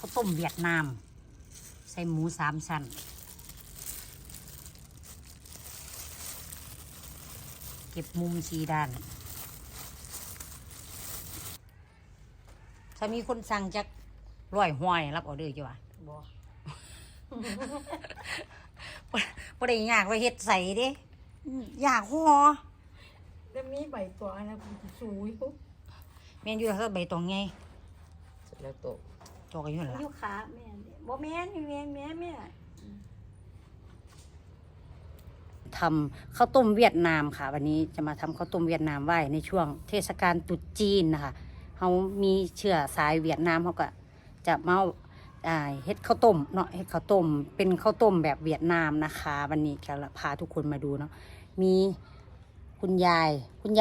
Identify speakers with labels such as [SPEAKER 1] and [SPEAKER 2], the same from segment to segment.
[SPEAKER 1] าวต้มเวียดนามใส่หมู3 ชั้นเก็บมุม4 ด้านถ้ามีคนสั่งจาก100 รับออเดอร์จ้ะวะบ่บ่ได้ยากว่าเฮ็ดใส่เด้ยากห่อ
[SPEAKER 2] แล้วมีใบตัวนะสูยปุ๊บ
[SPEAKER 1] แม่นอยู่แล้วใบตองไง
[SPEAKER 3] เสร็จแล้วโตะ
[SPEAKER 1] ตอกอยู่นั่นล่ะ
[SPEAKER 2] อยู่ขาแม่บ่แม่นแม่
[SPEAKER 1] ทำข้าวต้มเวียดนามค่ะวันนี้จะมาทำข้าวต้มเวียดนามไหว้ในช่วงเทศกาลตรุษจีนนะคะเขามีเชื้อสายเวียดนามเขาก็จะมาเฮ็ดข้าวต้มเนาะเฮ็ดข้าวต้มเป็นข้าวต้มแบบเวียดนามนะคะวันนี้จะพาทุกคนมาดูเนาะมีคุณยายสวัส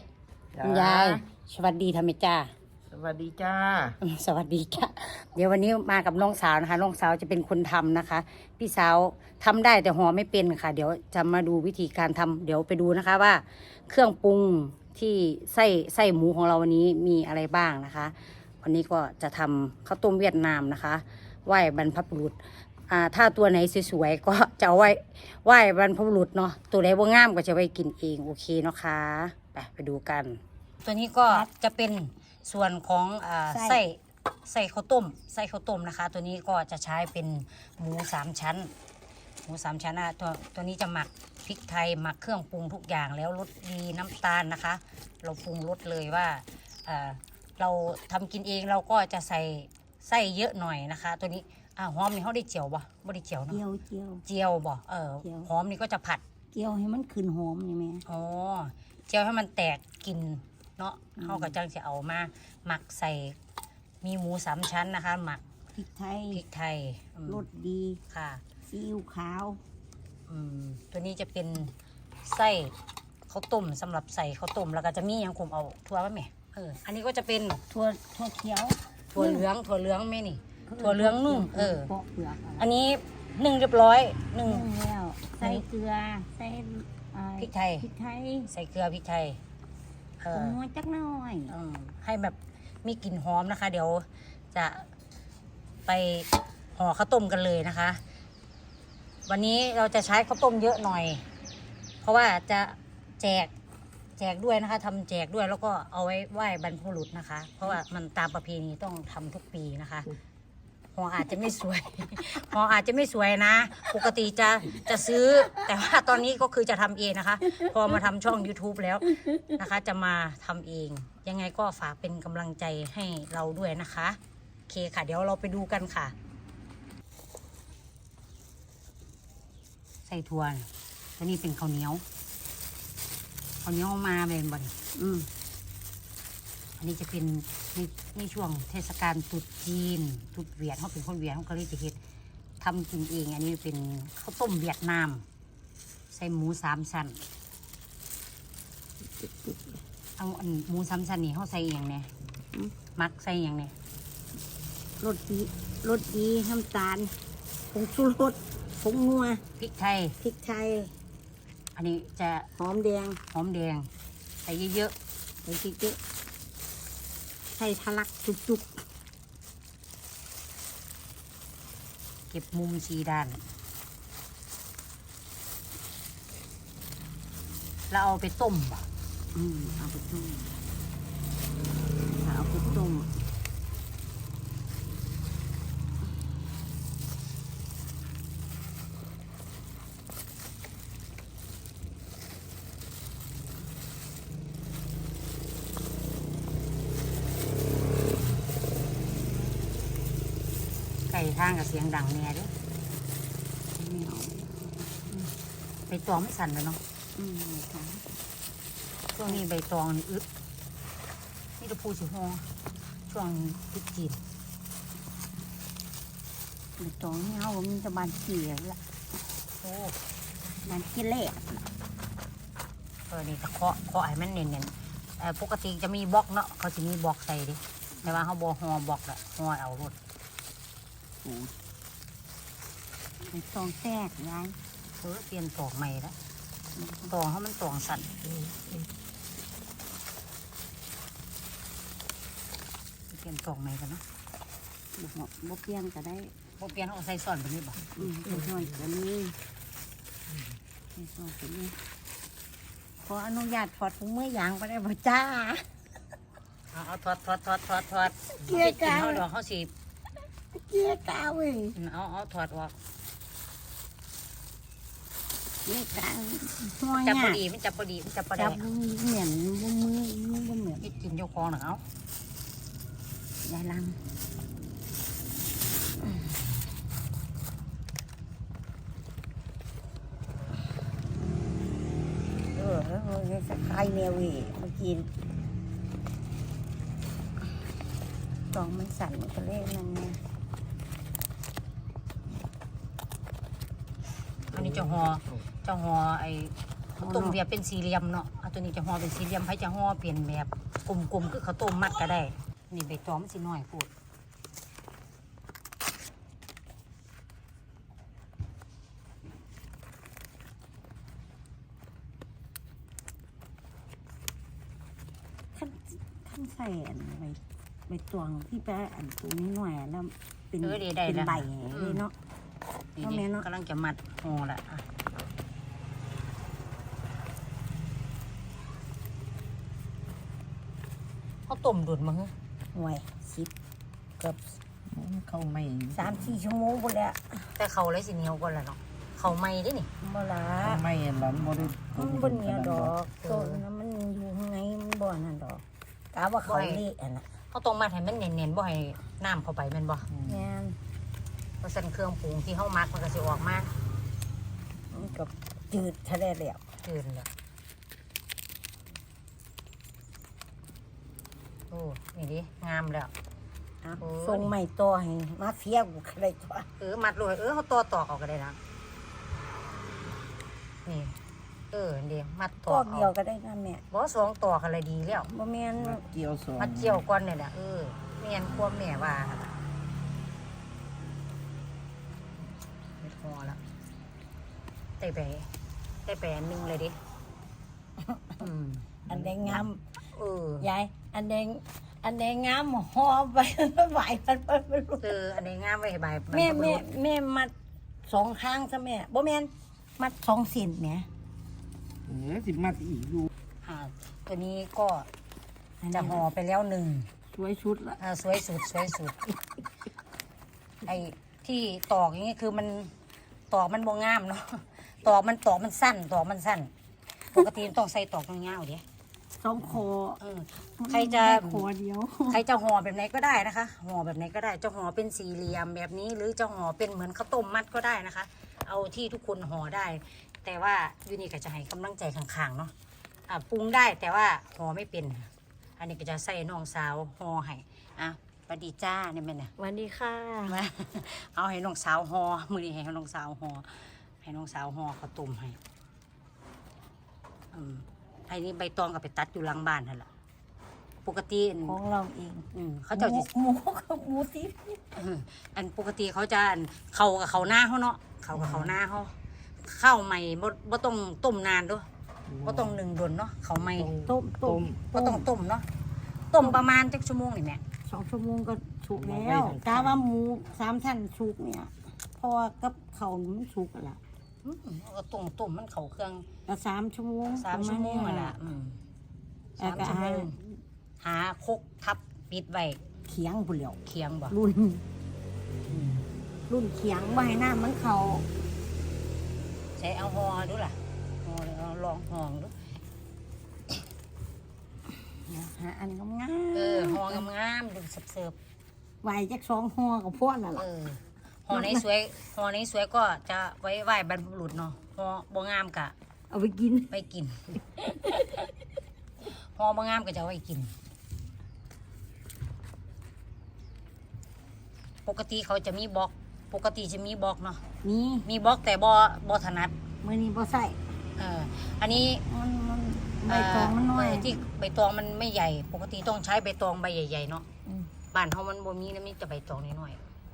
[SPEAKER 1] ดีทำไมจ้า
[SPEAKER 3] สวัสดีจ้า
[SPEAKER 1] สวัสดีจ้าเดี๋ยววันนี้มากับน้องสาวนะคะน้องสาวจะเป็นคนทำนะคะพี่สาวทำได้แต่ห่อไม่เป็นค่ะเดี๋ยวจะมาดูวิธีการทำเดี๋ยวไปดูนะคะว่าเครื่องปรุงที่ไส้หมูของเราวันนี้มีอะไรบ้างนะคะวันนี้ก็จะทำข้าวต้มเวียดนามนะคะไหว้บรรพบุรุษถ้าตัวไหนสวยๆก็จะเอาไหว้บรรพบุรุษเนาะตัวไหนว่างามก็จะไว้กินเองโอเคเนาะคะไปดูกันตัวนี้ก็จะเป็นส่วนของไส้ข้าวต้มนะคะตัวนี้ก็จะใช้เป็นหมู3 ชั้นตัวนี้จะหมักพริกไทยหมักเครื่องปรุงทุกอย่างแล้วรสดีน้ำตาลนะคะเราปรุงรสเลยว่าเราทำกินเองเราก็จะใส่ไส้เยอะหน่อยนะคะตัวนี้หอมนี่เขาได้เจียวบ่ได้เจียวเนาะเจียวบ่หอมนี่ก็จะผัด
[SPEAKER 2] เจียวให้มันขึ้นหอมนี่แม่
[SPEAKER 1] อ๋อเจียวให้มันแตกกลิ่นเนาะเขาก็จังจะเอามาหมักใส่มีหมู3 ชั้นนะคะหมัก
[SPEAKER 2] พริกไทยรสดี
[SPEAKER 1] ค่ะ
[SPEAKER 2] ซีอิ๊วขาว
[SPEAKER 1] ตัวนี้จะเป็นไส้ข้าวต้มสำหรับใส่ข้าวต้มแล้วก็จะมีอย่างผมเอาถั่วป่ะแม่อันนี้ก็จะเป็น
[SPEAKER 2] ถั่วเขียว
[SPEAKER 1] ถั่วเหลืองแม่นี่ถั่วเหลืองนุ่มอันนี้นึ่งเรียบร้อยนึ่ง
[SPEAKER 2] แล้วใส่เกลือใส่
[SPEAKER 1] พริกไทยใส่เกลือพริกไทย
[SPEAKER 2] น้อยจักหน่อย
[SPEAKER 1] ให้แบบมีกลิ่นหอมนะคะเดี๋ยวจะไปห่อข้าวต้มกันเลยนะคะวันนี้เราจะใช้ข้าวต้มเยอะหน่อยเพราะว่าจะแจกด้วยนะคะทำแจกด้วยแล้วก็เอาไว้ไหว้บรรพบุรุษนะคะเพราะว่ามันตามประเพณีต้องทำทุกปีนะคะห่ออาจจะไม่สวยห่ออาจจะไม่สวยนะปกติจะซื้อแต่ว่าตอนนี้ก็คือจะทำเองนะคะพอมาทำช่อง YouTube แล้วนะคะจะมาทำเองยังไงก็ฝากเป็นกำลังใจให้เราด้วยนะคะโอเคค่ะเดี๋ยวเราไปดูกันค่ะใส่ถั่วตัวนี้เป็นข้าวเหนียวมาเป็นบ่อยอันนี้จะเป็นในช่วงเทศกาลตรุษจีนตรุษเวียดเขาเป็นคนเวียดเขาก็เลยจะเฮ็ดทำกินเองอันนี้เป็นข้าวต้มเวียดนามใส่หมู3 ชั้นเอาหมู3 ชั้นนี่เขาใส่อย่างเนี่ยมักใส่อย่างเนี่ย
[SPEAKER 2] รสดีน้ำตาลผงชูรสผงนัว
[SPEAKER 1] พริกไทยอันนี้จะ
[SPEAKER 2] หอมแดง
[SPEAKER 1] ใส่เยอะ
[SPEAKER 2] ใส่ทะลักจุก
[SPEAKER 1] เก็บมุม4 ด้านแล้วเอาไปต้มป่ะ
[SPEAKER 2] เอาไปต้ม
[SPEAKER 1] ไก่ทางกับเสียงดังเนี่ยด้วยใบตองไม่สั่นเลยเนาะช่วงนี้ใบตองนี่นี่จะพูดสิฮอช่วงติดจีน
[SPEAKER 2] ใบตองนี่เขามันจะบานเขียวละบานเขียวเละ
[SPEAKER 1] นี่จะเคาะให้มันเนียนปกติจะมีบล็อกเนาะเขาจะมีบล็อกใส่ดิแต่ว่าเขาบอฮอบล็อกแหละฮอเอารถ
[SPEAKER 2] ตองแตกยาย
[SPEAKER 1] เปลี่ยนตอกใหม่แล้วตองเขามันตองสั่นเปลี่ยนตอกใหม่กันเนาะ
[SPEAKER 2] บ่เปลี่ยนก็ได้
[SPEAKER 1] พวกเปลี่ยนเอาใส่ซ่อนแบบนี้บ่
[SPEAKER 2] ใส่ช้อนก็มีใส่ช้อนก็มีขออนุญาตถอดถุงมือยางไปได้บ่จ้า
[SPEAKER 1] เอาถอด
[SPEAKER 2] เกลี่ยกาว
[SPEAKER 1] เขาดอกเขาสิ
[SPEAKER 2] เกลี่ยกาวเว้ย
[SPEAKER 1] เอาถอดออก
[SPEAKER 2] เกลี่ยกาวหัว
[SPEAKER 1] จับ
[SPEAKER 2] ห
[SPEAKER 1] พ
[SPEAKER 2] ยา
[SPEAKER 1] อดีมันจับพอดีมันจับพอ
[SPEAKER 2] จั
[SPEAKER 1] ดี
[SPEAKER 2] บเหมือนบ่มือบ่เหมือน
[SPEAKER 1] คิดกินเจ้าของหนังเอา
[SPEAKER 2] ยายลัง แล้วสักไข่แมวอีกเมื่อกี้ตองมันสั่นมันก็เล่นนั่นไง
[SPEAKER 1] อันนี้จะห่อไอ้ข้าวต้มเบียร์เป็นสี่เหลี่ยมเนาะเอาตัวนี้จะห่อเป็นสี่เหลี่ยมให้จะห่อเปลี่ยนแบบกลมๆคือข้าวต้มมัดก็ได้นี่ใบตองมันสิน้อยพูด
[SPEAKER 2] ขั้นใส่อันใบตวงที่แปะอันตัวนี้หน่อยแล้วเป็น
[SPEAKER 1] ได้
[SPEAKER 2] เป็น
[SPEAKER 1] แล้ว
[SPEAKER 2] ใบเลยเนาะ
[SPEAKER 1] นี่
[SPEAKER 2] เอาแม่เนาะ
[SPEAKER 1] กำลังจะมัดห่อละอ่ะข้าวต้มดุดมั้ง
[SPEAKER 2] หน่วยเกือบ
[SPEAKER 3] เข้าไม่
[SPEAKER 2] 3-4 ชั่วโมงพุ่นแหละ
[SPEAKER 1] แต่เขาเลยสิเหนียวกว่าละเนาะเขาไม่ได้นี่
[SPEAKER 2] บ่ละ
[SPEAKER 3] ไม่หลันบ่ได้
[SPEAKER 2] มันบ่เหนียวดอกต้นนั้นมันอยู่ข้างในมันบ่นั่นดอกกะว่าเขาเละอันน่ะ
[SPEAKER 1] เขาต้องมัดให้มันเนียนๆบ่ให้น้ำเข้าไปแม่นบ่
[SPEAKER 2] แม่น
[SPEAKER 1] เพราะฉะนั้นเครื่องปรุงที่เฮามักมันก็สิออกมา
[SPEAKER 2] มันก็จืดทะเลแล้ว
[SPEAKER 1] จืดแล้วโอ้นี่ดิงามแล้ว
[SPEAKER 2] อ่ะ
[SPEAKER 1] โอ้ย
[SPEAKER 2] ส่งใหม่ต่อให้มาเฟียกูก็ได้ตัว
[SPEAKER 1] มัดเลยเขาต่อตอกเอาก็ได้นะนี่เดี๋ยวมัดต
[SPEAKER 2] ก็
[SPEAKER 1] อก
[SPEAKER 2] เดียวก็ได้นะแม่
[SPEAKER 1] บ่สองตอกอะไรดีแล้ว
[SPEAKER 2] บ่แม่น
[SPEAKER 3] เกี่ยวสอง
[SPEAKER 1] มัดเจียวก่อนเนี่ยนะเมียนควบแม่ว่าหั่นล่ะไม่พอแล้วได้ไปอันหนึงเลยดิอืม
[SPEAKER 2] อันแดงงาม
[SPEAKER 1] ย
[SPEAKER 2] ายอันแดงงามห่อไปไหวมันไปรู้
[SPEAKER 1] อันนี้งามไว้ให้ใบ
[SPEAKER 2] แม่มัด2ข้างซะแม่บ่แม่นมัด2เส้นแหม
[SPEAKER 3] สิมัดอีกอยู่
[SPEAKER 1] ตัวนี้ก็จะห่อไปแล้วหนึ่ง
[SPEAKER 2] สวยชุดละ
[SPEAKER 1] สวยสุดไอ้ที่ตอกอย่างนี้คือมันตอกมันบ่งามเนาะตอกมันสั้นปกติมันต้องใส่ตอกยาวๆเดี๋ยว
[SPEAKER 2] 2คอ
[SPEAKER 1] ใครจะ
[SPEAKER 2] คอเดียว
[SPEAKER 1] ใครจะห่อแบบไหนก็ได้นะคะห่อแบบไหนก็ได้จะห่อเป็นสี่เหลี่ยมแบบนี้ หรือจะห่อเป็นเหมือนข้าวต้มมัดก็ได้นะคะ เอาที่ทุกคนห่อได้ แต่ว่ายูนี่ก็จะให้กำลังใจข้างๆเนาะปรุงได้แต่ว่าห่อไม่เป็น อันนี้ก็จะใส่น้องสาวห่อให้สวัสดีจ้าเนี่ยแม่เนี่ย
[SPEAKER 2] สวัสดีค่ะ
[SPEAKER 1] มาเอาให้น้องสาวห่อมือนี้ให้น้องสาวห่อให้น้องสาวห่อข้าวต้มให้ไอ้นี่ใบตองก็ไปตัดอยู่หลังบ้านนั่นแหละปกติ
[SPEAKER 2] ของเราเอง
[SPEAKER 1] เขาเจ้าจะ
[SPEAKER 2] หมูติ
[SPEAKER 1] อันปกติเขาจะเขากับเขาหน้าเขาเนาะเขากับเขาหน้าเขาข้าวใหม่บ่ต้องต้มนานด้วยบ่ต้องหนึ่งดนเนาะเขาใหม่
[SPEAKER 2] ต้ม
[SPEAKER 1] บ่ต้องต้มเนาะต้มประมาณจักชั่วโมงนี่แม่
[SPEAKER 2] 2 ชั่วโมงก็สุกแล้วกาว่าหมู3ชั้นสุกเนี่ยเพราะว่ากับเขาวมันสุกแล้วล่ะ
[SPEAKER 1] ก็ต้มมันเขาเครื่อง
[SPEAKER 2] ก็3 ชั่วโมง
[SPEAKER 1] 3 ชั่วโมง
[SPEAKER 2] ประาณ
[SPEAKER 1] อ่ะ
[SPEAKER 2] นี้
[SPEAKER 1] สามชั่วโมงหาคกทับปิดไว้
[SPEAKER 2] เขียงพุ่นแล้ว
[SPEAKER 1] เคียงบ่
[SPEAKER 2] รุ่นเขียงไว้ให้น้ามันเขา
[SPEAKER 1] ใช้เอาห่อดูล่ะห่อเอาลองห่อดู
[SPEAKER 2] หาอันงาม
[SPEAKER 1] ห่องามๆดูเสิร์ฟ
[SPEAKER 2] ไว้จัก2ห่อกับพวกนั่นล่ะ
[SPEAKER 1] ห่อในสวยก็จะไว้ไหว้บรรพบุรุษเนาะห่อบ่งามกะ
[SPEAKER 2] เอาไปกิน
[SPEAKER 1] ไปกิน ห่อบ่งามก็จะเอาไว้กิน ปกติเขาจะมีบล็อกเนาะ
[SPEAKER 2] นี่
[SPEAKER 1] มีบล็อกแต่บ่ถนัด
[SPEAKER 2] มื้อนี้บ่ใส่
[SPEAKER 1] อันนี้
[SPEAKER 2] มันใบตองมันน้อย
[SPEAKER 1] ที่ใบตองมันไม่ใหญ่ ปกติต้องใช้ใบตองใบใหญ่ๆเนาะ
[SPEAKER 2] อืม
[SPEAKER 1] บ้านเฮามันบ่มีนะมีแต่ใบตองน้อย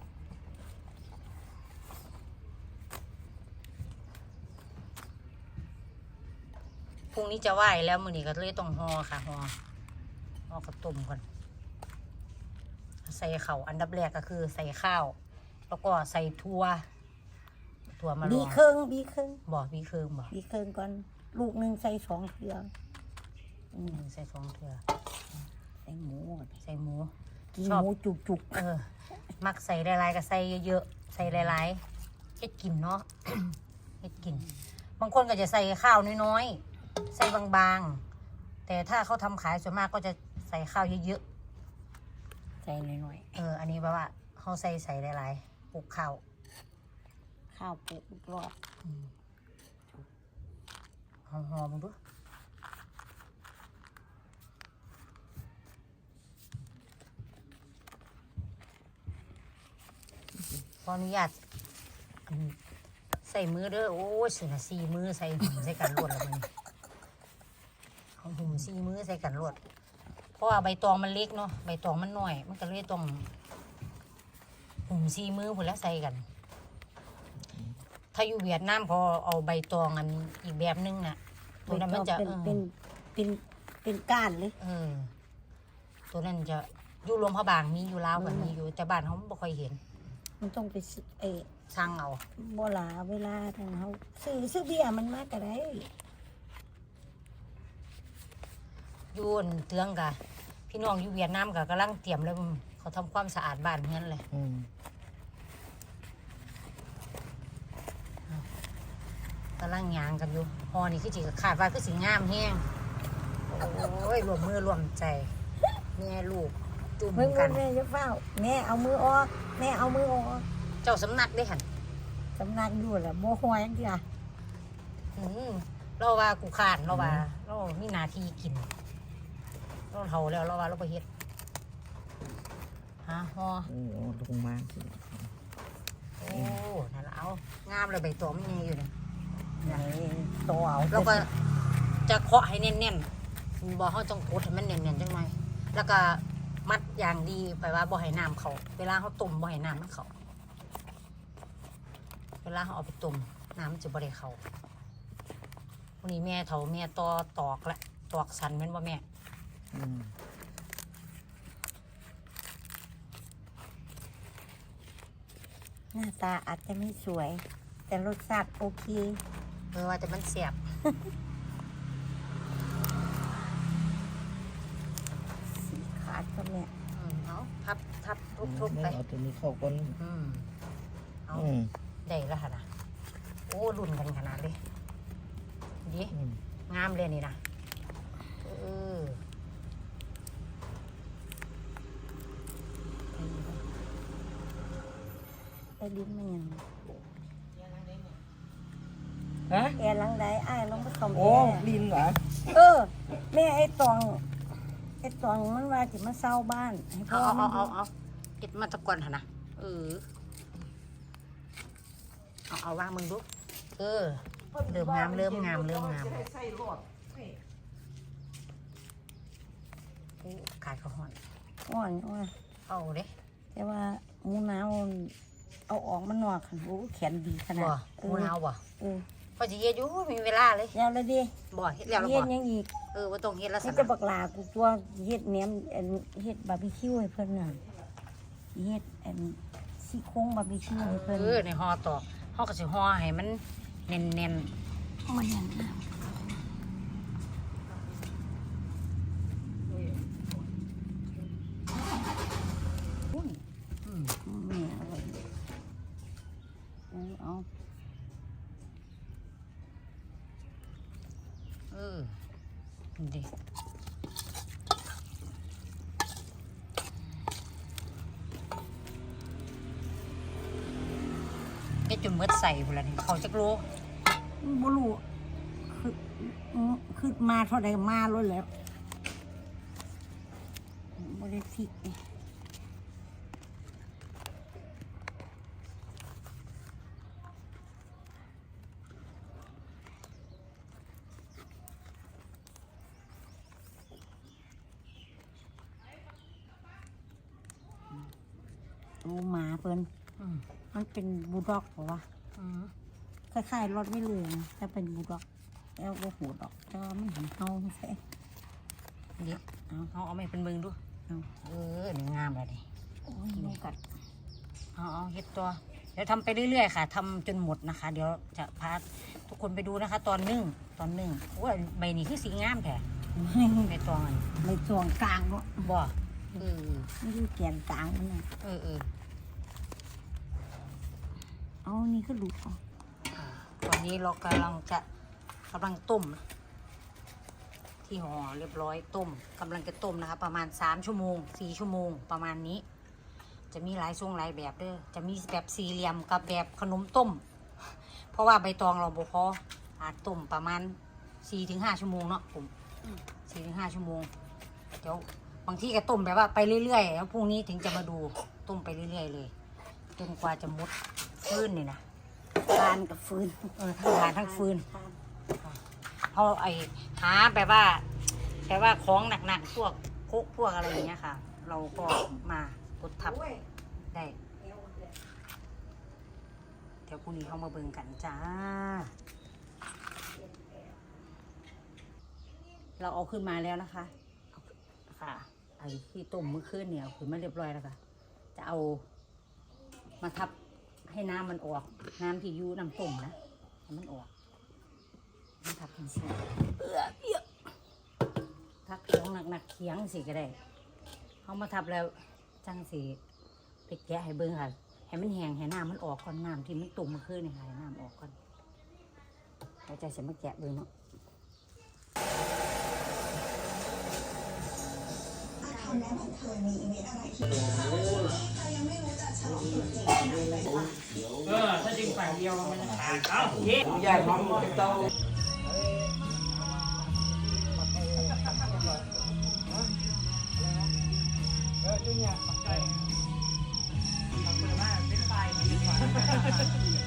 [SPEAKER 1] ๆพรุ่งนี้จะไหว้แล้วมื้อนี้ก็เลยต้องห่อค่ะห่อข้าวต้มก่อนใส่ข้าวอันดับแรกก็คือใส่ข้าว แล้วก็ใส่ถั่วมาล
[SPEAKER 2] บี
[SPEAKER 1] ง
[SPEAKER 2] เครื่องบีเครื่อง
[SPEAKER 1] บ่มีเครื่องบ่
[SPEAKER 2] บีเครื่องก่อนลูกหนึงใส่2เทื่อ
[SPEAKER 1] ใส่2เทื่อ
[SPEAKER 2] ใส่หมู
[SPEAKER 1] ใส่หมู
[SPEAKER 2] กิน
[SPEAKER 1] ชอบ
[SPEAKER 2] หมูจุก
[SPEAKER 1] มักใส่หลายๆก็ใส่เยอะๆใส่หลายๆเฮ็ดกินเนาะ เฮ็ดกิน บางคนก็จะใส่ข้าวน้อยๆใส่บางๆแต่ถ้าเขาทำขายส่วนมากก็จะใส่ข้าวเยอะ
[SPEAKER 2] ๆใส่หน่อย
[SPEAKER 1] ๆอันนี้แบบว่าเขาใส่หลายๆปลูกข้าว
[SPEAKER 2] ๆข้าวปลูกอีกรอบ
[SPEAKER 1] หอมๆมึงดูขออนุญาตใส่มือเด้อโอ้ยสินะ4 มือใส่หุ่มใส่กันรวดแล้วมันเอาหุ่ม4 มือใส่กันรวดเพราะว่าใบตองมันเล็กเนาะใบตองมันน้อย มันก็เลยต้องหุ่ม4 มือพุ่นแล้วใส่กัน ถ้าอยู่เวียดนามเขาเอาใบตองอันอีกแบบนึงน่ะตัวนั้นมันจะ
[SPEAKER 2] เป็นก้านเลย
[SPEAKER 1] ตัวนั้นจะอยู่รวมพระบางมีอยู่ลาวกันมีอยู่แต่บ้านเขาไม่ค่อยเห็น
[SPEAKER 2] มันต้องไปซื้อ
[SPEAKER 1] สร้างเอา
[SPEAKER 2] บ่หลาเวลาทางเขาซื้อเบียร์มันมากก็ได้
[SPEAKER 1] อยู่อั่นเตืองกะพี่น้องอยู่เวียดนามกะกำลังเตรียมเลยเขาทำความสะอาดบ้านเฮือนเลยกำลังยางกันอยู่ฮอนี่คือจีขาดว่าคือสิงามแห้งโอ้ยรวมมือรวมใจแม่ลูกจุ่ม
[SPEAKER 2] เพิ่ง
[SPEAKER 1] กัน
[SPEAKER 2] แม่จะเฝ้าแม่เอามือออกแม่เอามือออก
[SPEAKER 1] เจ้าสำนักได้หัน
[SPEAKER 2] สำนักอยู่แหละโมหอยจังซี่ล่ะ
[SPEAKER 1] เราว่ากูขานเราว่าเรามีหนาทีกินเราเท่าแล้วเราว่าเราไปเฮ็ดฮะฮอ
[SPEAKER 3] โอ้ลงมาสิ
[SPEAKER 1] โอ้นั่นละเอางามเลยใบตองมันยังอยู่เนี่ย
[SPEAKER 2] ไหนโตเอา
[SPEAKER 1] เราก็จะเคาะให้แน่นๆบ่เขาต้องกดให้มันแน่นๆจังหน่อยแล้วก็มัดอย่างดีไปว่าบ่ให้น้ำเขาเวลาเขาต้มบ่ให้น้ำมันเขาเวลาเขาเอาไปต้มน้ำมันจะบ่ได้เขาวันนี้แม่เฒ่าแม่ตอกละตอกสันแม่นบ่แม่
[SPEAKER 2] หน้าตาอาจจะไม่สวย แต่รสชาติโอเค
[SPEAKER 1] ว่าแต่มันเสียบ
[SPEAKER 2] สีขาดก็เนี่ย
[SPEAKER 1] เอาทับทุบๆไป
[SPEAKER 3] เอาตัวนี้เข้าก่อน
[SPEAKER 1] เอาได้แล้วค่ะนะโอ้รุ่นกันขนาดเลยดีงามเลยนี่นะ
[SPEAKER 2] ไอ้ลิ้นมันยัง
[SPEAKER 3] ฮะ
[SPEAKER 2] แอร์หลังใดอ้ายลองไปซ่อมแอ
[SPEAKER 3] โอ้
[SPEAKER 2] ร์
[SPEAKER 3] ลินเหรอ
[SPEAKER 2] แม่ไอ้ตองมันว่าสิมาเศร้าบ้านให้พ่อมัน
[SPEAKER 1] เอาเก็ดมาตะกอนค่ะนะเอาว่างมึงดูเริ่มงามโอ้ขาดข้าวหอน
[SPEAKER 2] อ่อน
[SPEAKER 1] เอาเด้
[SPEAKER 2] แต่ว่าหมูหนาวเอาออกมันหนวกขันโอ้แขนดีขนาด
[SPEAKER 1] บ่หมูหนาวบ่ พอจะเย็ดอยู่มีเวลาเลย
[SPEAKER 2] แล้วละดิ
[SPEAKER 1] บ่เฮ็ดแล้ว
[SPEAKER 2] เฮ็ด
[SPEAKER 1] บ่
[SPEAKER 2] ยังอีก
[SPEAKER 1] ว่าต้องเฮ็ดแล้วสิ
[SPEAKER 2] นี่จะบักหลากูตัวเฮ็ดแหนมเฮ็ดบาร์บีคิวให้เพิ่นน่ะเฮ็ดซี่โครงบาร์บีคิวให้เพิ่น
[SPEAKER 1] ในห่อตอกห่อก็สิห่อให้มันแน่น
[SPEAKER 2] มันยังแม่อร่อยเอา
[SPEAKER 1] ดิเฮ็ดจนหมดใส่พุ่นละนี่เขาจักโล
[SPEAKER 2] บ่รู้คือมาเท่าใดมาแล้วแหล้วบ่ได้ฟิกนี่โอ้หมาเพิ่นมันเป็นบูลด็อกเหรอวะคล้ายๆรถไม่เหลืองแต่เป็นบูลด็อกแล้วก็หูดอกแต่ว่ามันเห็นเฮาใช่
[SPEAKER 1] เดี๋ยวเอาไม่เป็นเบิ่งดู
[SPEAKER 2] เอา
[SPEAKER 1] นี่งามเลยนี่
[SPEAKER 2] โอ้ยยุงกัด
[SPEAKER 1] เอาเฮ็ดตัว เดี๋ยวทำไปเรื่อยๆค่ะทำจนหมดนะคะ เดี๋ยวจะพาทุกคนไปดูนะคะ ตอนนึ่งโอ้ยใบนี้คือสีงามแท้ใบตองอัน
[SPEAKER 2] ในส่วนกลางก็
[SPEAKER 1] บ่อ
[SPEAKER 2] ไม่รู้แกนกลางมันนะ เอานี่ก็หลุดออก
[SPEAKER 1] ตอนนี้เรากำลังต้ม ที่ห่อเรียบร้อยต้มกำลังจะต้มนะคะ ประมาณ3 ชั่วโมง 4 ชั่วโมงประมาณนี้ จะมีหลายทรงหลายแบบเด้อจะมีแบบสี่เหลี่ยมกับแบบขนมต้ม เพราะว่าใบตองเราบ่พออาจต้มประมาณ 4-5 ชั่วโมงเนาะผม 4-5 ชั่วโมงเดี๋ยวบางที่ก็ต้มแบบว่าไปเรื่อยๆแล้วพรุ่งนี้ถึงจะมาดูต้มไปเรื่อยๆเลยจนกว่าจะหมดฟืนนี่นะ
[SPEAKER 2] ทานกับฟืน
[SPEAKER 1] ทั้งทานทั้งฟืนเขาหาแบบว่าของหนักๆพวกคุกพวกอะไรอย่างเงี้ยค่ะ เราก็มากดทับได้ เดี๋ยวพรุ่งนี้เขามาเบิ่งกันจ้า เราเอาขึ้นมาแล้วนะคะค่ะไอ้ที่ต้มเมื่อคืนเนี่ยเอาขึ้นมาเรียบร้อยแล้วค่ะ จะเอามาทับให้น้ำมันออก น้ำที่อยู่น้ำต้มนะให้มันออกมันทับเป็นสีทับของหนักๆเคียงสิก็ได้เขามาทับแล้วจังสีไปแกะให้เบิ่งค่ะให้มันแห้งให้น้ำมันออกก่อนน้ำที่มันต้มเมื่อคืนเนี่ยให้น้ำออกก่อนเราจะเสร็จมาแกะเลยเนาะถ้าดึงฝ่ายเดียวมันขาดเอ้าเย้
[SPEAKER 3] ใหญ่ของโต
[SPEAKER 1] ขอบคุณมากเป็นฝ่าย